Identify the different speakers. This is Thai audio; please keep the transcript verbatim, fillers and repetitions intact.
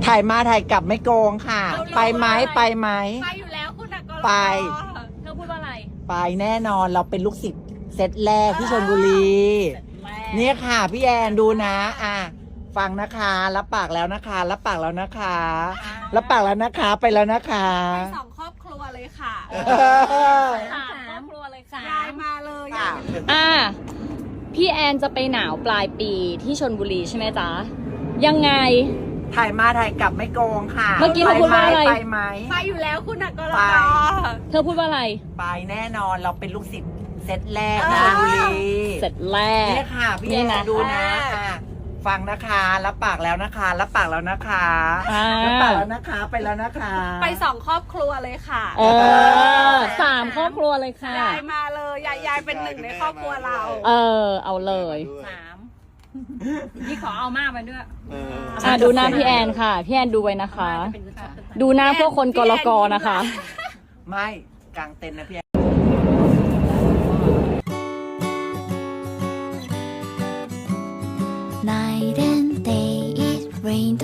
Speaker 1: ถ่ายมาถ่ายกลับไม่โกงค่ะ ไปไหมไปไหม
Speaker 2: ไปอยู่แล้วคุณนักกร
Speaker 1: ไป
Speaker 2: เธอพูดว่าอะไร
Speaker 1: ไปแน่นอนเราเป็นลูกศิษย์เซตแรกที่ชลบุรีเนี่ยค่ะพี่แอนดูนะอ่ะฟังนะคะรับปากแล้วนะคะรับปากแล้วนะคะรับปากแล้วนะคะไปแล้วนะคะ
Speaker 2: ไปสองครอบครัวเลยค่ะ
Speaker 3: สามครอบครัวเลยค่ะ
Speaker 2: ยายมาเลย
Speaker 1: ค่ะ
Speaker 3: อ่าพี่แอนจะไปหนาวปลายปีที่ชลบุรีใช่ไหมจ๊ะยังไง
Speaker 1: ถ่ายมาถ่ายกลับไม่โกงค่ะ
Speaker 3: เมื่อกี้เราพูดว่าอะไร
Speaker 1: ไปไหม
Speaker 2: ไปอยู่แล้วคุณนักกร
Speaker 1: ไป
Speaker 3: เธอพูดว่าอะไร
Speaker 1: ไปแน่นอนเราเป็นลูกศิษย์เซตแรกที่ชลบุรี
Speaker 3: เสร็จแรก
Speaker 1: เนี่ยค่ะพี่แอ
Speaker 3: นี่
Speaker 1: น
Speaker 3: นะ
Speaker 1: ดูนะอ่ะฟังนะคะรับปากแล้วนะคะรับปากแล้วนะคะ
Speaker 3: อ่า
Speaker 1: รับปากแล้วนะคะไปแล้วนะคะ
Speaker 2: ไปสองครอบครัวเลยค่ะ
Speaker 3: เออสามครอบครัวเลยค่ะ
Speaker 2: ยายมาเลยยายยายเป็นหนึ่งในครอบครัวเรา
Speaker 3: เออ เอาเลย
Speaker 2: สามนี่ขอเอามากไปด้วย
Speaker 3: อ่ะดูหน้าพี่แอนค่ะ พี่แอนดูไว้นะคะ ดูหน้าพวกคนกรกนะคะ
Speaker 1: ไม่กลางเต็นท์นะพี่แอน
Speaker 4: Night and day it rained